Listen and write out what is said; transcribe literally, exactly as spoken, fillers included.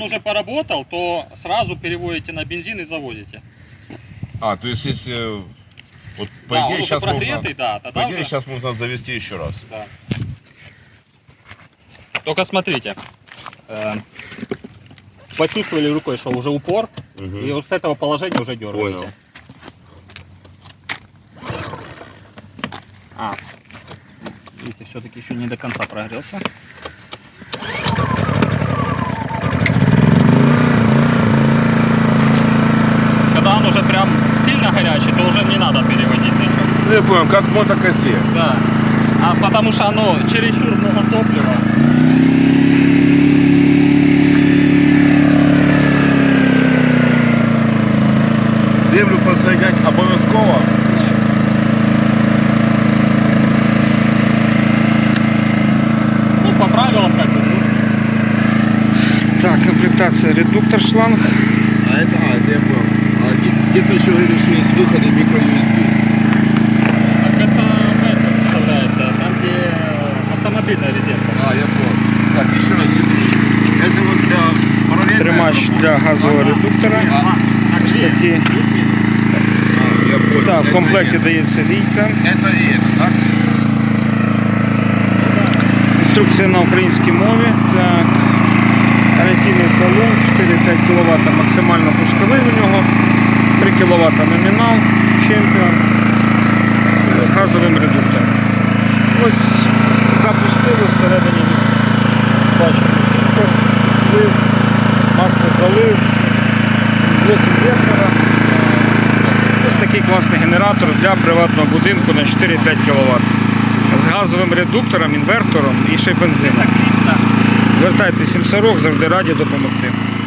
уже поработал, то сразу переводите на бензин и заводите. А, то есть если... Вот по Да, идее он уже сейчас прогретый, можно... да, тогда По идее уже... сейчас можно завести еще раз. Да. Только смотрите. Э, почувствовали рукой, что уже упор, Угу. и вот с этого положения уже дергаете. Понял. А, видите, все-таки еще не до конца прогрелся. Когда он уже прям сильно горячий, то уже не надо переводить ничего. Ну, я понял, как в мотокосе. Да. А потому что оно чересчур много топлива. Землю подсоединять обов'язково. Ну, по правилам как бы. Ну, Так, комплектация редуктор шланг. А это, а, это я понял. А где-то еще говорили, что есть выходы микро-ю эс би. так это в этом вставляется, там где автомобильная резерва. А, я понял. Так, еще раз секундочку. Это вот для параллельной Тримач работы. для газового редуктора. Ага, так Ось где? такі. Плюс-минус. А, я понял. Так, в Это комплекті и это. дається лійка. Это и это, так? Інструкція на українській мові. Так. Гарантійний талон, чотири-п'ять кіловат максимально пусковий у нього, три кіловат номінал, чемпіон з газовим редуктором. Ось запустили всередині, бачимо, фільтр, злив, масло залив, блок інвертора. Ось такий класний генератор для приватного будинку на чотири-п'ять кіловат. З газовим редуктором, інвертором і ще й бензином. Звертайтеся, сім сорок, завжди раді допомогти.